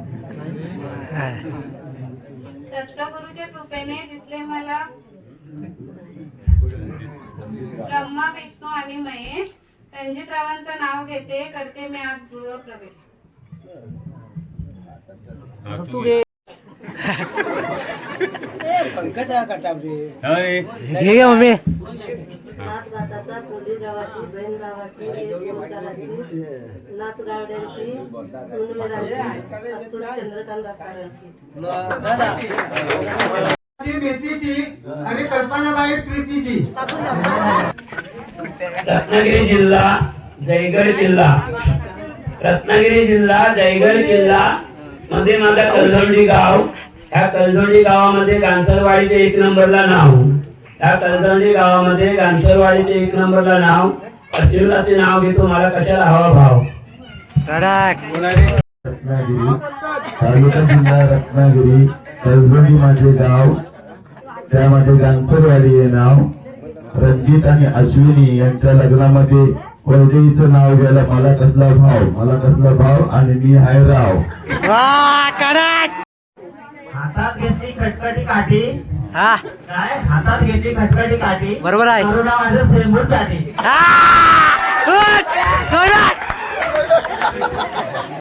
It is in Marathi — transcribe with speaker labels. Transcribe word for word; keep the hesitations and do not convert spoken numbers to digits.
Speaker 1: सद्गुरूच्या कृपेने दिसले मला ब्रह्मा विष्णू आणि महेश. रणजितरावांचं नाव घेते, करते मी आज गृह प्रवेश.
Speaker 2: घे मम्मी.
Speaker 3: नाथगाताचा कोली गावाची बहीण गावाची नाथगावड्यांची सुनमेरांची अस्तुत चंद्रकांत दातारांची
Speaker 4: मेथीची आणि कल्पनाबाई प्रीतीची.
Speaker 5: रत्नागिरी जिल्हा जयगड जिल्हा रत्नागिरी जिल्हा जयगड जिल्हा मध्ये माझा कलझोंडी गाव. ह्या कलझोंडी गावामध्ये गांसरवाडीचे एक नंबरला नाव. या कलझोंडी गावामध्ये गांसरवाडीचे एक नंबरला नाव. आशीर्वादाचे नाव घेतो, मला कशाला हवा भाव.
Speaker 6: रत्नागिरी तालुका जिल्हा रत्नागिरी कलझोंडी माझे गाव. त्यामध्ये गांसरवाडी हे नाव. रणजित आणि अश्विनी यांच्या लग्नामध्ये वैदेहीचं नाव घ्यायला मला कसला भाव, मला कसला भाव. आणि मी हाय राव.
Speaker 4: हातात घेतली खटखटी काठी.
Speaker 2: हा
Speaker 4: काय हातात घेतली खटखटी काठी.
Speaker 2: बरोबर आहे.
Speaker 4: करुणा माझं सेंबूट साठी.